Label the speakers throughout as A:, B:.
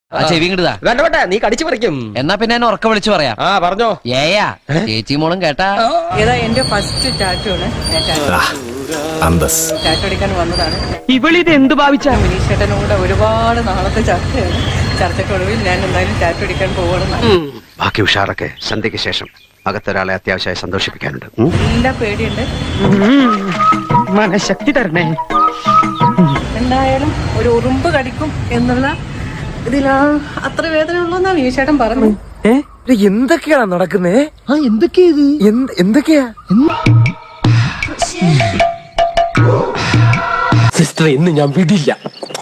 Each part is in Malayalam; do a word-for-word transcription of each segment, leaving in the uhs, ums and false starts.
A: ചെവി കിട്ടുക
B: വേണ്ട വേണ്ട, നീ കടിച്ചു പറിക്കും.
A: എന്നാ പിന്നെ എന്നെ ഉറക്ക വിളിച്ചു പറയാം.
B: ആ പറഞ്ഞോ.
A: ഏയാ ചേച്ചി മോളും കേട്ടാ.
C: ഏതാ എന്റെ ഫസ്റ്റ് ടാറ്റു ആണ്. ടാറ്റു അടിക്കാൻ വന്നതാണ്.
D: ഇവളിത് എന്ത് ഭാവിച്ച
C: വിനീഷേട്ടനോട് ഒരുപാട് നാളത്തെ ചർച്ചയാണ്. ചർച്ചക്കൊടുവിൽ ഞാൻ എന്തായാലും ടാറ്റു അടിക്കാൻ പോകണമെന്നാണ്.
E: ബാക്കി ഉഷാറൊക്കെ സന്ധ്യയ്ക്ക് ശേഷം അകത്തൊരാളെ അത്യാവശ്യമായി സന്തോഷിപ്പിക്കാനുണ്ട്.
C: എല്ലാ പേടിയുണ്ട്.
D: മനഃശക്തി തരണേ.
C: എന്തായാലും ഒരു ഉറുമ്പ് കടിക്കും എന്നുള്ള ഇതിലാ അത്ര വേദന ഉള്ളൂന്നാ വിനീഷേട്ടൻ പറഞ്ഞു.
D: എന്തൊക്കെയാ നടക്കുന്നേ? ആ എന്തൊക്കെയാ ഇത്? എന്തൊക്കെയാ സിസ്റ്റർ? ഇന്ന് ഞാൻ വിടില്ല.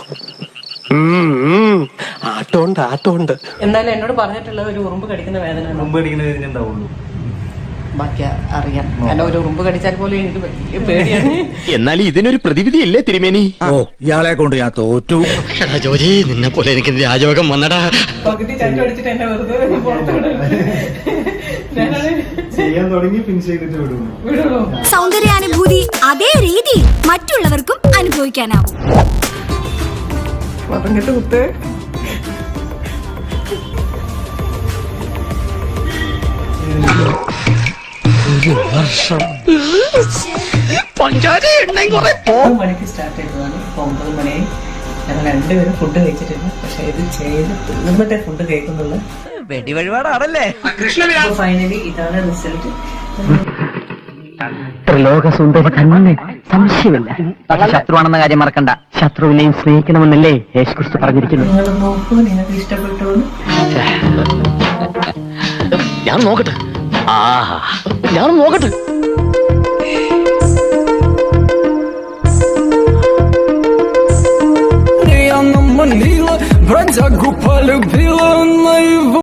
D: ആട്ടോണ്ട് ആട്ടോണ്ട്
C: എന്തായാലും എന്നോട് പറഞ്ഞിട്ടുള്ളത് ഒരു ഉറുമ്പ് കടിക്കുന്ന വേദന ബാക്കി അറിയാം. കാരണം ഒരു ഉറുമ്പ് കടിച്ചാൽ പോലും എനിക്ക് വലിയ പേടിയാണ്.
F: എന്നാൽ ഇതിനൊരു പ്രതിവിധി ഇല്ലേ തിരുമേനി?
G: ഓ ഇയാളെ കൊണ്ട് ഞാൻ തോറ്റു.
F: ജോജി നിന്നെ പോലെ എനിക്ക് രാജയോഗം വന്നടാ.
C: പകുതി ചട്ടു അടിച്ചിട്ട് എന്നെ വെറുതെ
H: സൗന്ദര്യാനുഭൂതി അതേ രീതി മറ്റുള്ളവർക്കും അനുഭവിക്കാനാവും.
C: പറഞ്ഞിട്ട് കുത്ത് മണിക്ക് സ്റ്റാർട്ട് ചെയ്തതാണ്. ഇപ്പൊ ഒമ്പത് മണിയായി. ഞങ്ങൾ രണ്ടുപേരും ഫുഡ് കഴിച്ചിട്ടില്ല. പക്ഷെ ഇത് ചെയ്ത് തിന്നുമ്പത്തെ ഫുഡ് കഴിക്കുന്നുള്ളു.
A: വെടി വഴിപാടാണല്ലേ.
C: ഫൈനലി ഇതാണ് റിസൾട്ട്.
D: ത്രിലോകസുന്ദരി തന്നെ, സംശയമില്ല. പക്ഷെ ശത്രുവാണെന്ന കാര്യം മറക്കണ്ട. ശത്രുവിനെയും സ്നേഹിക്കണമെന്നല്ലേ യേശുക്രിസ്തു പറഞ്ഞിരിക്കുന്നു.
C: നിങ്ങൾ നോക്കൂ, നിങ്ങൾക്ക് ഇഷ്ടപ്പെട്ടു.
F: ഞാൻ നോക്കട്ടെ. ആഹാ ഞാൻ നോക്കട്ടെ.
D: Бродягу полюбила на его